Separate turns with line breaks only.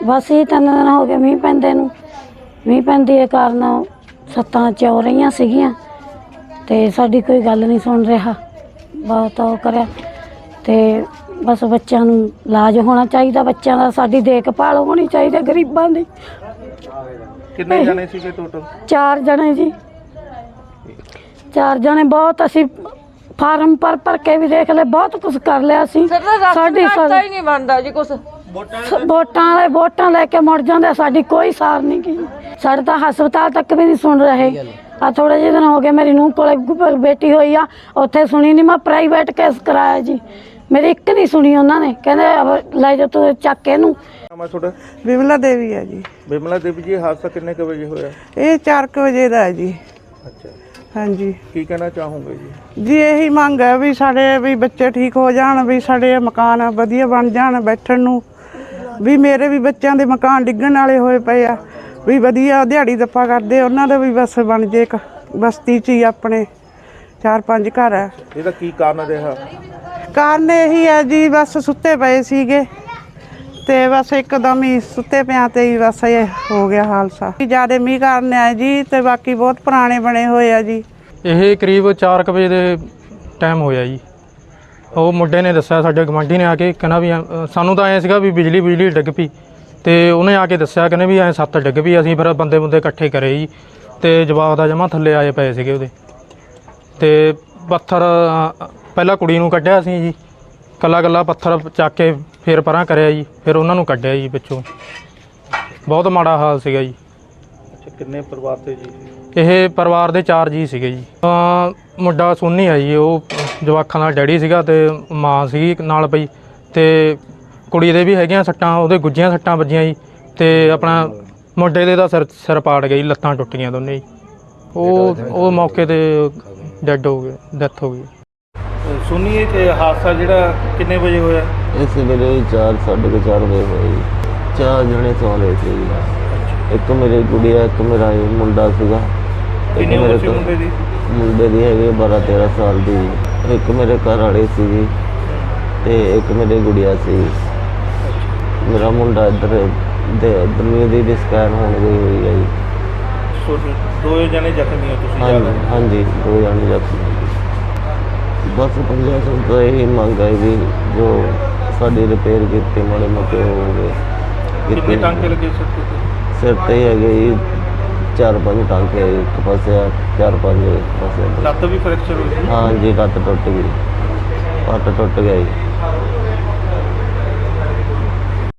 बस ये 3 दिन हो गए मीह पैंदे नूं। मीह पैंदी दे कारण छत्तां चौ रहीआं सीगीआं ते साडी कोई गल नहीं सुन रहा। बहुत ਉਹ ਕਰਿਆ ਤੇ बस बच्चों नूं इलाज होना चाहिए, बच्चों का साडी देखभाल होनी चाहिए गरीबां दी।
कितने जने सीगे टोटल? 4
जने जी, 4 जने। बहुत असी फार्म भर के भी देख ले, बहुत कुछ कर लिया सी। साडी ही नहीं बनदा जी कुछ। वोटां लेके मुड़ जांदे, साडी कोई सार नहीं की। साडे तां हस्पताल तक भी नहीं सुन रहे। आ थोड़े ਜਿਹੇ दिन हो गए मेरी नूंह कोले बेटी हुई आ, उत्थे सुनी नहीं। मैं प्राइवेट केस कराया जी, मेरी एक नहीं सुनी उन्होंने। कहते ले जा तू चक के नूं।
बिमला देवी है जी।
बिमला देवी जी, हादसा कितने के बजे होया?
ये 4 बजे का है जी।
अच्छा,
हाँ जी।
की कहना चाहूँगे जी?
जी यही मंग है भी साढ़े भी बच्चे ठीक हो जान, भी साढ़े मकान वधिया बन जान बैठण नूं। भी मेरे भी बच्चों के मकान डिग्गण वाले होए पे आ, भी वधिया दिहाड़ी दप्पा करते उन्हां दा भी बस बन जे। बस्ती च ही अपने 4-5 घर है।
ਇਹਦਾ ਕੀ ਕਾਰਨ ਰਿਹਾ?
कारण यही है जी, बस सुते पे सीगे ते बस एकदम ही सुते पिया ते ही बस ये हो गया हादसा। ज़्यादा मीह कारण है जी, ते बाकी बहुत पुराने बने हुए है जी।
ਇਹ ਕਰੀਬ 4 ਵਜੇ ਦੇ ਟਾਈਮ ਹੋਇਆ ਜੀ। ਉਹ ਮੁੰਡੇ ਨੇ ਦੱਸਿਆ, ਸਾਡੇ ਗਵਾਂਢੀ ਨੇ ਆ ਕੇ ਕਹਿੰਦਾ ਵੀ ਸਾਨੂੰ ਤਾਂ ਐਂ ਸੀਗਾ ਵੀ ਬਿਜਲੀ ਡਿੱਗ ਪਈ, ਤੇ ਉਹਨੇ ਆ ਕੇ ਦੱਸਿਆ ਕਹਿੰਦੇ ਵੀ ਐਂ ਛੱਤ ਡਿੱਗ ਪਈ। ਅਸੀਂ ਫਿਰ ਬੰਦੇ ਇਕੱਠੇ ਕਰੇ ਜੀ, ਤੇ ਜਵਾਕ ਦਾ ਜਮਾ ਥੱਲੇ ਆਏ ਪਏ ਸੀਗੇ ਉਹਦੇ। ਤੇ ਪੱਥਰ ਪਹਿਲਾਂ ਕੁੜੀ ਨੂੰ ਕੱਢਿਆ ਸੀ ਜੀ, ਕੱਲਾ ਪੱਥਰ ਚੱਕ ਕੇ ਫਿਰ ਪਰਾਂ ਕਰਿਆ ਜੀ, ਫਿਰ ਉਹਨਾਂ ਨੂੰ ਕੱਢਿਆ ਜੀ ਪਿੱਛੋਂ। ਬਹੁਤ ਮਾੜਾ ਹਾਲ ਸੀਗਾ ਜੀ।
ਅੱਛਾ, ਕਿੰਨੇ ਪਰਿਵਾਰ ਤੇ ਜੀ?
ਇਹ ਪਰਿਵਾਰ ਦੇ 4 ਜੀ ਸੀਗੇ ਜੀ। ਮੁੰਡਾ ਸੋਨੀ ਆ ਜੀ, ਉਹ ਜਵਾਕਾਂ ਦਾ ਡੈਡੀ ਸੀਗਾ ਤੇ ਮਾਂ ਸੀਗੀ ਨਾਲ ਪਈ, ਤੇ ਕੁੜੀ ਦੇ ਵੀ ਹੈਗੀਆਂ ਸੱਟਾਂ, ਉਹਦੇ ਗੁੱਜੀਆਂ ਸੱਟਾਂ ਵੱਜੀਆਂ ਜੀ। ਤੇ ਆਪਣਾ ਮੁੰਡੇ ਦੇ ਤਾਂ ਸਿਰ ਪਾੜ ਗਿਆ ਜੀ, ਲੱਤਾਂ ਟੁੱਟ ਗਈਆਂ ਦੋਨੇ ਜੀ। ਉਹ ਮੌਕੇ ਤੇ ਡੈਡ ਹੋ ਗਏ, ਡੈਥ ਹੋ ਗਈ।
ਸੁਣੀਏ ਕਿ ਹਾਦਸਾ ਜਿਹੜਾ ਕਿੰਨੇ ਵਜੇ ਹੋਇਆ?
ਇਸ ਵੇਲੇ 4-4:30 ਵਜੇ ਹੋਇਆ ਜੀ। 4 ਜਣੇ ਸੌ ਰਹੇ ਸੀ ਜੀ। ਇੱਕ ਮੇਰੀ ਗੁੜੀਆ, ਇੱਕ ਮੇਰਾ ਮੁੰਡਾ ਸੀਗਾ।
ਕਿੰਨੀ ਉਮਰ ਸੀ ਮੁੰਡੇ ਦੀ?
ਮੁੰਡੇ ਦੀ ਹੈਗੀ 12-13 ਸਾਲ ਦੀ। ਇੱਕ ਮੇਰੇ ਘਰ ਵਾਲੇ ਸੀ ਜੀ, ਤੇ ਇੱਕ ਮੇਰੀ ਗੁੜੀਆ ਸੀ। ਮੇਰਾ ਮੁੰਡਾ ਇੱਧਰ ਦਰਮੀ ਦੀ ਸਕੈਨ ਹੋਣ ਗਈ ਹੋਈ ਹੈ ਜੀ।
2 ਜਣੇ ਜ਼ਖਮੀ ਹੋ ਤੁਸੀਂ?
ਹਾਂਜੀ 2 ਜਣੇ ਜ਼ਖਮੀ। बस प्रशासन तो यही मंग है भी जो साड़ी रिपेयर की माड़े मोटे हो गए।
कितने टांके लगे
सिर ते ही है जी? 4-5 टांके एक पासे, 4-5 पासे।
लत्त भी फ्रैक्चर हुई?
हाँ जी, लत्त टुट गई, पट टुट गई।